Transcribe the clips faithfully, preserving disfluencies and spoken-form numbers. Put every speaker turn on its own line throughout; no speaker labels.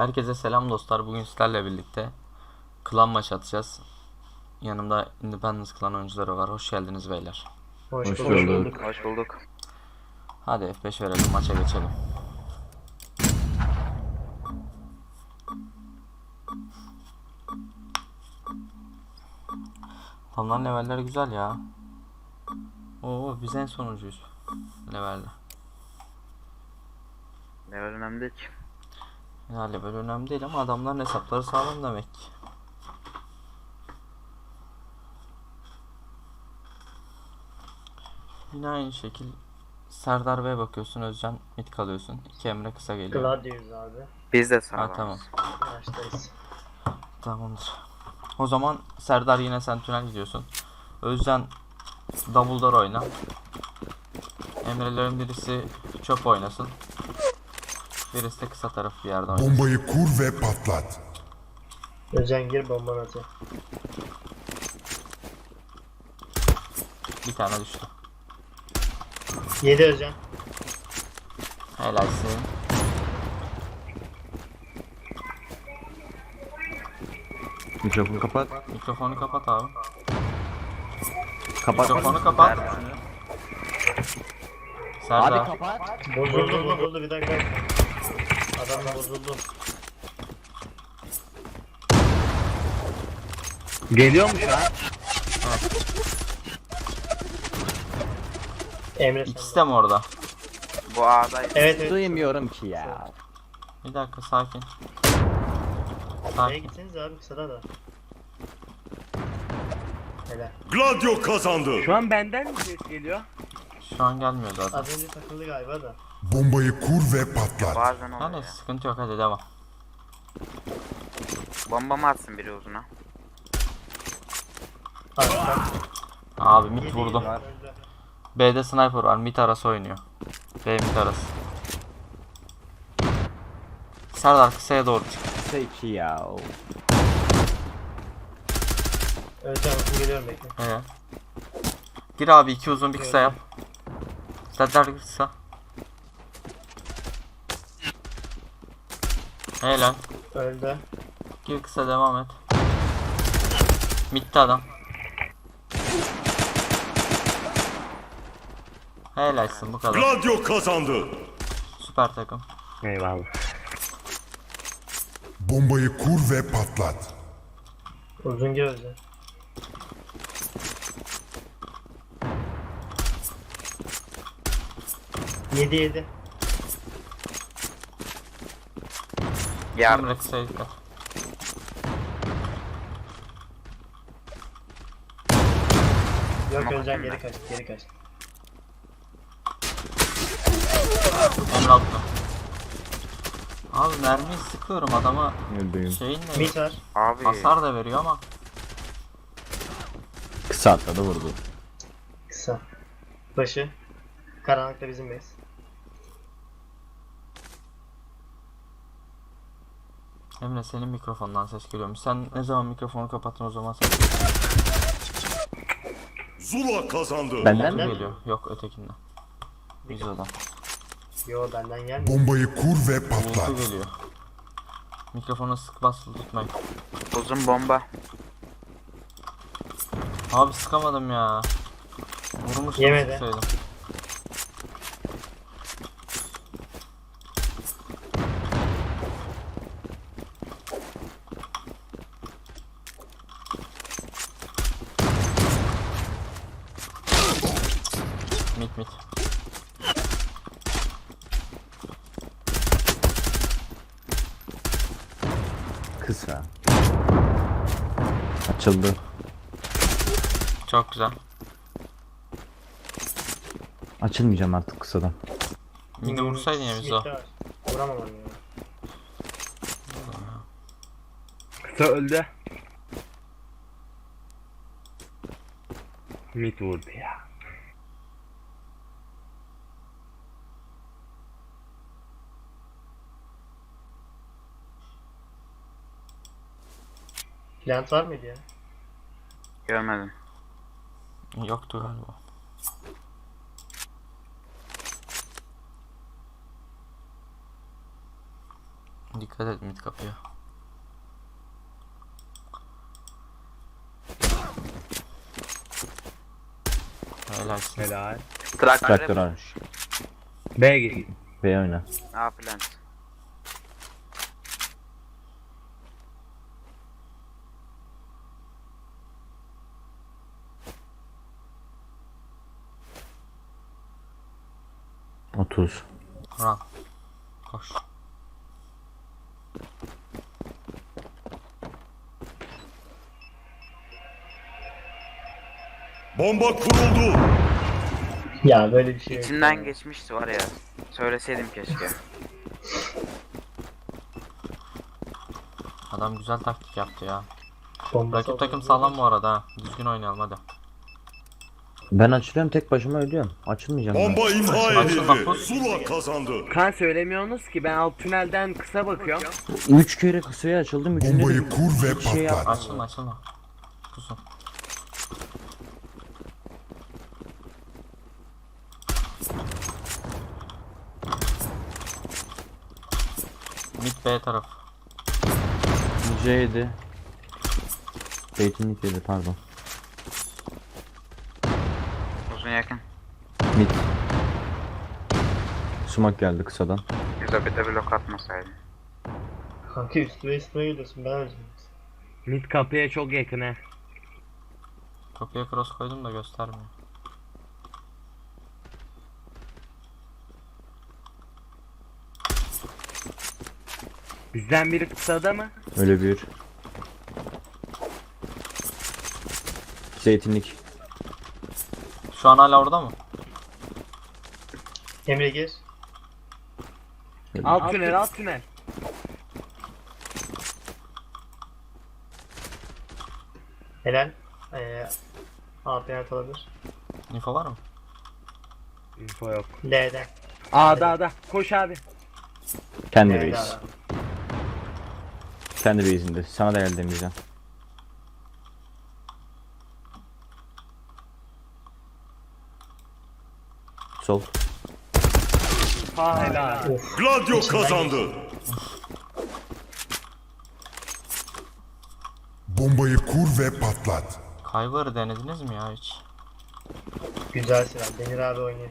Herkese selam dostlar. Bugün sizlerle birlikte klan maç atacağız. Yanımda Independence klan oyuncuları var. Hoş geldiniz beyler.
Hoş,
Hoş
bulduk.
bulduk.
Hoş bulduk.
Hadi F beş verelim, maça geçelim. Adamların levelleri güzel ya. Oo, biz en sonuncuyuz levelde.
Level önemli değil ki.
Ya level önemli değil ama adamların hesapları sağlam demek ki. Yine aynı şekil Serdar Bey'e bakıyorsun, Özcan mid kalıyorsun. İki Emre kısa geliyor.
Gladius abi.
Biz de
Ha,
sağlamız.
tamam.
Maçtayız.
Tamamdır. O zaman Serdar yine sen tünel gidiyorsun. Özcan Dumbledore oyna. Emre'lerin birisi çöp oynasın. Birisi de kısa taraf bir yerde oynasın.
Bombayı kur ve patlat.
Özen gir bombanı atıyor.
Bir tane düştü.
Yedi Özen.
Helalsin.
Mikrofonu kapat.
Mikrofonu kapat abi.
Kapat.
Mikrofonu kapat. Serdar.
Abi kapat.
Bozuldu bozuldu bir dakika. Adam da bozuldu.
Geliyormuş ha.
Emre
İkisi
sen
de mi orada?
Bu A'daydı.
Evet evet.
Duymuyorum ki ya.
Bir dakika, sakin.
Neye
Sakin.
gitseniz abi kısada da. Helal.
Gladio kazandı.
Şu an benden mi ses geliyor?
Şu an gelmiyor zaten.
Az önce takıldı galiba da.
Bombayı kur ve patlat.
Bazen oluyor
Yani
ya.
sıkıntı yok, hadi devam.
Bomba mı atsın biri uzuna?
Arkadan.
Abi mid
Yedi,
vurdum.
yedi, öldü.
B'de sniper var. Mid arası oynuyor. B mid arası. Serdar kısaya doğru çık.
Peki ya.
Özen uzun geliyorum bekle.
Evet. Gir abi, iki uzun bir kısa yap. Serdar kısa. Helal.
Öldü.
Gir kısa, devam et. Mid'de adam. Helalsin, bu kadar.
Gladio kazandı.
Süper takım.
Eyvallah.
Bombayı kur ve patlat.
Uzun gir Özen. Yedi yedi.
Yardım.
Emre kısaya dikkat.
Yok
Tamam,
Özen
bakayım
geri
ben.
kaç geri kaç.
Emre altta. Abi mermiyi sıkıyorum adama,
Öldüğüm.
şeyin ne?
Mit var.
Abi.
Hasar da veriyor ama.
Kısa atladı vurdu.
Kısa. Başı. Karanlıkta bizim base.
Emre, senin mikrofondan ses geliyormuş. Sen ne zaman mikrofonu kapattın o zaman ses
Zula kazandı.
Benden mi?
geliyor. Yok, ötekinden. Videodan.
Yo benden gelmiyor.
Bombayı kur ve
Buluntu
patlat.
geliyor. Mikrofona sık basılı tutmayın.
Uzun bomba.
Abi sıkamadım ya. Vurmuştum,
Yemedi.
sıksaydım. Mit mit.
Kısa. Açıldı.
Çok güzel.
Açılmayacağım artık kısadan.
Mid'i vursaydın ya bizi o.
Mitte var. Vuramam onu ya.
Kısa öldü. Mid vurdu ya.
Plant var mıydı ya?
Görmedim.
Yoktu galiba. Dikkat et mid kapıya. Helalsin.
Helal.
Traktör.
Traktör almış.
B git.
B oyna.
A plant.
otuz.
Run. Koş.
Bomba kuruldu.
Ya böyle bir şey yok.
İçinden
ya.
geçmişti var ya. Söyleseydim keşke.
Adam güzel taktik yaptı ya.
Bombası
Rakip takım
oldu.
sağlam bu arada ha. Düzgün oynayalım hadi.
Ben açılıyorum, tek başıma ölüyorum. Açılmayacağım ben.
Bomba imha
Açıl bak,
edildi.
pus.
Zula kazandı.
Kan söylemiyorsunuz ki ben alt tünelden kısa bakıyorum.
Üç kere kısaya açıldım. Üçünde de
Bombayı kur ve
bir şey
patlat.
yapmadım.
Açılma açılma. Kusun. Mid B taraf.
C yedi. Zeytinlik yedi, pardon.
Uzun yakın.
Mid. Sumak geldi kısadan.
Güzel bir de blok atmasaydın.
Kanka üstüme üstüme geliyorsun ben öleceğim.
Mid kapıya çok yakın he.
Kapıya cross koydum da göstermiyor.
Bizden biri kısada mı?
Öyle bir. Zeytinlik.
Şu an hala orada mı?
Emre gir.
Alt tünel alt tünel.
Helal. Ee, A penaltı olabilir.
Info var mı?
Info yok.
L'den.
A'da A'da. Koş abi.
Kendi
L'den.
reis. Kendi reisinde. Sana da geldi demeyeceğim. Sol.
Ha helal.
Gladio kazandı.
Bombayı kur ve patlat.
Kyber'ı denediniz mi ya hiç?
Güzel silah. Demir abi oynuyor.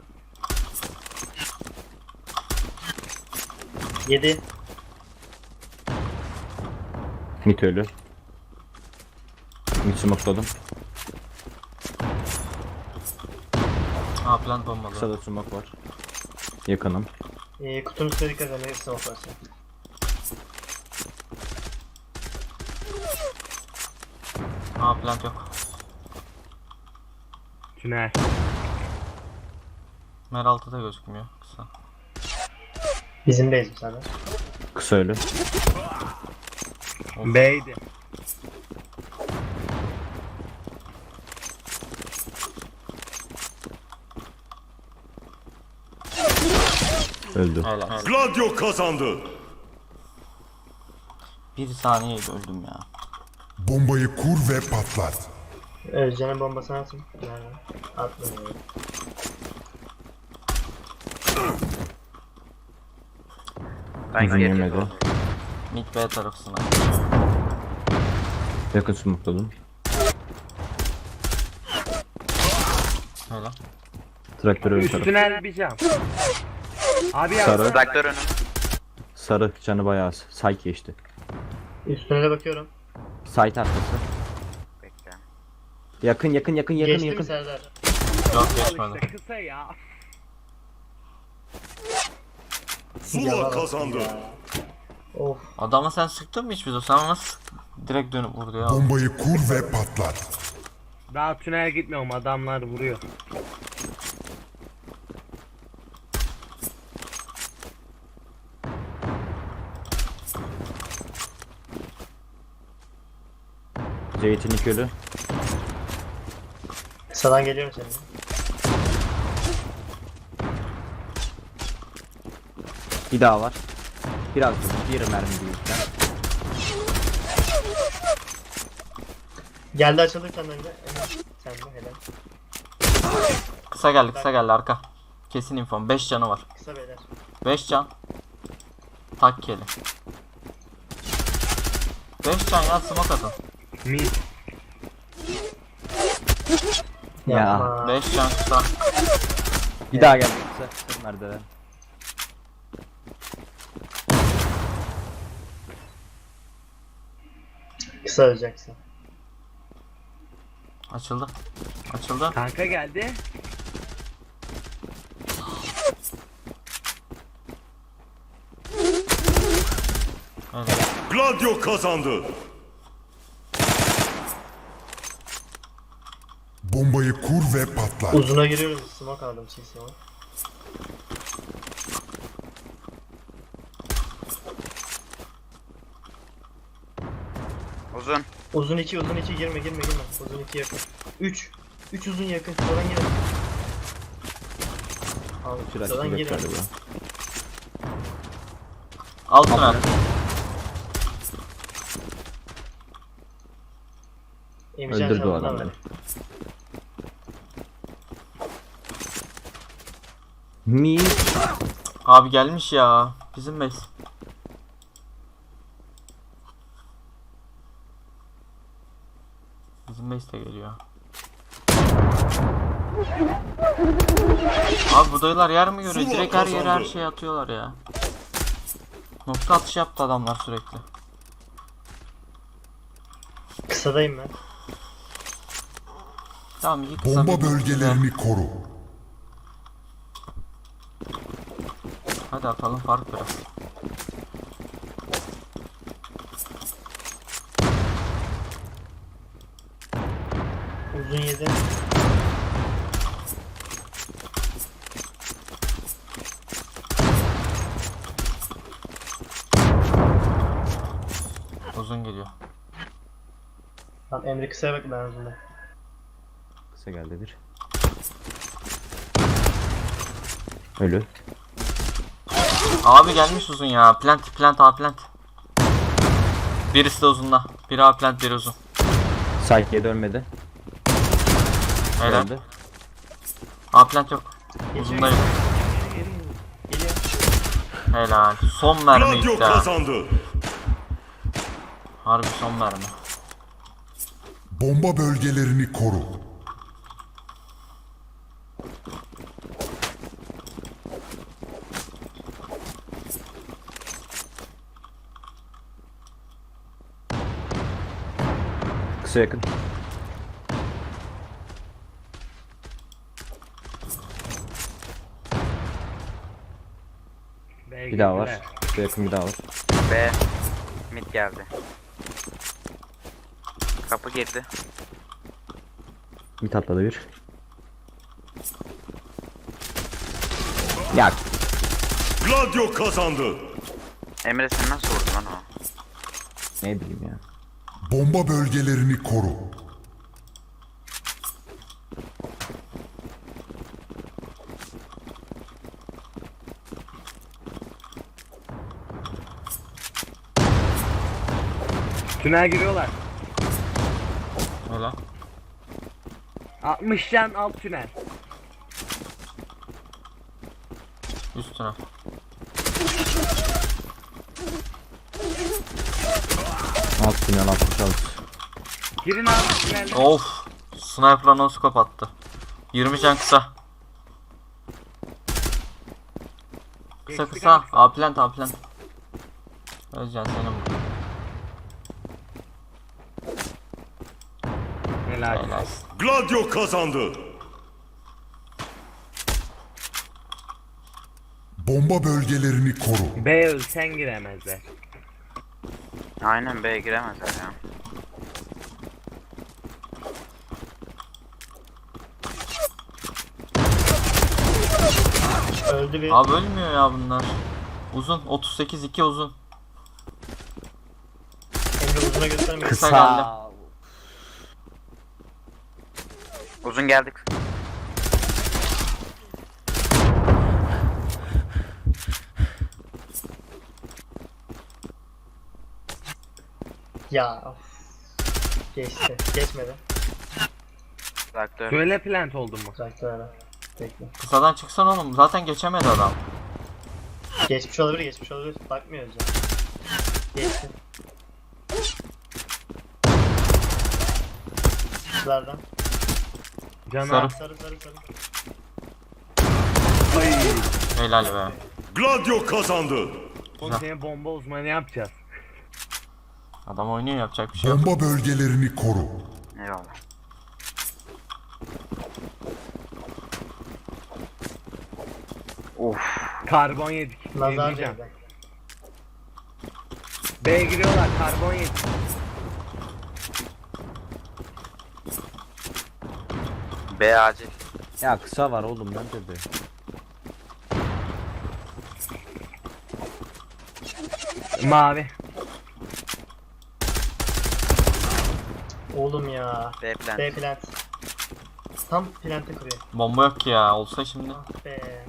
Yedi.
Mid ölü. Mid smokladım.
Ha plant bombalı.
Kısada smoke var. Yakınım.
Ee, kutunun üstüne dikkat edin. Hepsi operasyon.
Ha plant yok.
Tünel.
Mer altıda gözükmüyor. Kısa.
Bizim base bu sefer.
Kısa ölü.
B'ydi.
Öldü.
Helal. Helal.
Gladio kazandı.
Bir saniyeydi öldüm ya.
Bombayı kur ve patlat.
Özcan'ın bombasını atın. Nerede? Atmıyor.
Ben
Uzun
geri
yemedi.
doğru.
Mid B tarafına.
Yakın smokladım.
Helal.
Traktör ölü
Üst
taraf.
tünel bir cam. Abi ya.
Sarı.
Traktör önüm.
Sarı canı bayağı az. Site geçti.
Üstüne de bakıyorum.
Site arkası.
Bekle.
Yakın yakın yakın yakın
Geçti mi
yakın.
Serdar?
Yok
Al
geçmedi.
işte kısa ya.
Zula
Yalan
kazandı.
ya. Of.
Adama sen sıktın mı hiç bize? Sen nasıl sıktın? Direkt dönüp vurdu ya.
Bombayı kur ve patlat.
Daha tünel gitmiyorum adamlar vuruyor.
Zeytinlik ölü.
Kısadan geliyorum senin.
Bir daha var. Biraz dur. Bir mermi büyükten.
Geldi açıldı senden önce. Emre. Sen de helal.
Kısa geldi kısa geldi arka. Kesin infom. beş canı var.
Kısa beyler.
beş can. Takkeli. beş can ya, smoke atın.
Mid.
Ya.
Yapma.
beş can kısa.
Bir daha geldi kısa. Kısa merdiven.
Kısa öleceksin.
Açıldı. Açıldı.
Kanka geldi.
Evet.
Gladio kazandı.
Bombayı kur ve patlat.
Uzuna giriyoruz. Smoke aldım C C'ye.
Uzun.
Uzun iki, uzun iki, girme girme girme. Uzun iki yakın. üç. üç uzun yakın. Oradan girin. Al,
Şurası
oradan
yok
girin.
galiba.
Alt tünel.
Emrecan
Öldürdü o
sen
adam
buna
beni.
ver.
Mi?
Abi gelmiş ya. Bizim base. Bizim base de geliyor. Abi bu dayılar yer mi görüyor?
Zula
Direkt her yere her
kazandı.
şeyi atıyorlar ya. Nokta atışı yaptı adamlar sürekli.
Kısadayım ben.
Tamam, iyi kısa
Bomba
bir-
bölgelerini koru.
Hadi atalım fark biraz.
Uzun yedi.
Uzun geliyor.
Tamam Emre kısaya bak, ben uzunda.
Kısa geldi bir. Ölü.
Abi gelmiş uzun ya. Plant plant A plant. Birisi de uzunla. Biri A plant, biri uzun.
Saykiye dönmedi.
Helal.
Öldü.
A plant yok.
Geçiyor,
Uzundayım.
Geliyor. Geliyor.
Helal. Son mermi
Gladio
gitti ha.
kazandı.
Harbi son mermi.
Bomba bölgelerini koru.
Kısa yakın.
B'ye
Bir daha var.
girdiler.
Kısa yakın bir daha var.
B. Mid geldi. Kapı girdi.
Bir atladı bir. Ya
Gladio kazandı.
Emre sen nasıl vurdun lan o?
ne bileyim ya.
Bomba bölgelerini koru.
Tünel giriyorlar.
Helal.
altmış can alt tünel.
Üstüne.
Alt tünel altmış altı.
Girin abi tünelde.
Of. Sniper'la no scope attı. yirmi can kısa. Kısa
Geçtik
kısa.
abi.
A plant A plant. Özcan senin bu.
Helal.
Helal.
Gladio kazandı.
Bomba bölgelerini koru.
B ölsen giremezler.
Aynen B'ye giremezler ya.
Öldü bir.
Abi ölmüyor ya bunlar. Uzun. otuz sekiz iki uzun.
Emre uzuna göstermiyor.
Kısa geldi.
Uzun geldik.
Ya of. Geçti. Geçmedi.
Traktör.
Söyle plant oldun mu?
Traktör ara. Bekle.
Kısadan çıksan oğlum. Zaten geçemedi adam.
Geçmiş olabilir, geçmiş olabilir. Bakmıyoruz ya. Geçti. Kızlardan.
Canı
Sarı.
Sarı sarı sarı.
Helal be.
Gladio kazandı.
Oğlum seni bomba uzmanı yapacağız.
Adam oynuyor, yapacak bir şey yok.
Bomba bölgelerini koru.
Eyvallah. Of.
Karbon yedik.
Nazar
Yemeyeceğim.
değdi.
B'ye giriyorlar, karbon yedik.
B acil.
Ya kısa var oğlum ben de be.
Mavi.
Oğlum ya.
B plan.
B plant. Tam plant'e kuruyor.
Bomba yok ki ya. Olsa şimdi.
Ah be.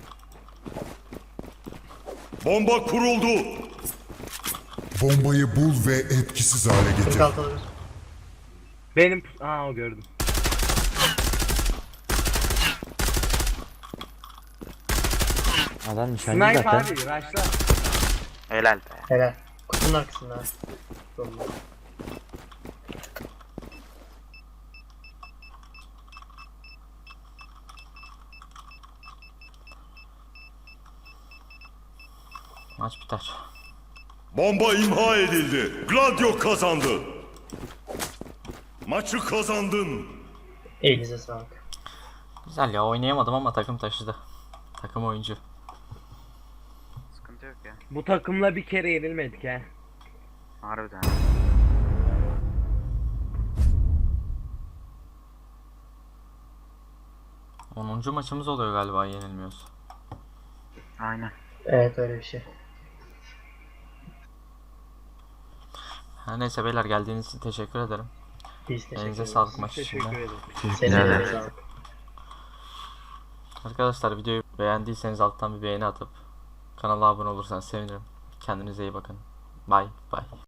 Bomba kuruldu.
Bombayı bul ve etkisiz hale getir.
kırk altı alabilir.
Benim... Aa o gördüm.
Adam nişancı
Snipe
zaten.
abi, rushla.
Helal be.
Helal. Kutunun arkasında. ha. Bomba.
Maç biter.
Bomba imha edildi. Gladio kazandı. Maçı kazandın.
Elinize sağlık.
Güzel ya, oynayamadım ama takım taşıdı. Takım oyuncu.
Sıkıntı yok ya.
Bu takımla bir kere yenilmedik ha.
Harbiden.
onuncu maçımız oluyor galiba yenilmiyoruz.
Aynen.
Evet öyle bir şey.
Her neyse beyler, geldiğiniz için teşekkür ederim.
Biz teşekkür
Elinize
ederiz.
sağlık maç
Teşekkür
içinde.
ederim.
Senin
Evet.
elinize sağlık.
Arkadaşlar videoyu beğendiyseniz alttan bir beğeni atıp kanala abone olursanız sevinirim. Kendinize iyi bakın. Bye bye.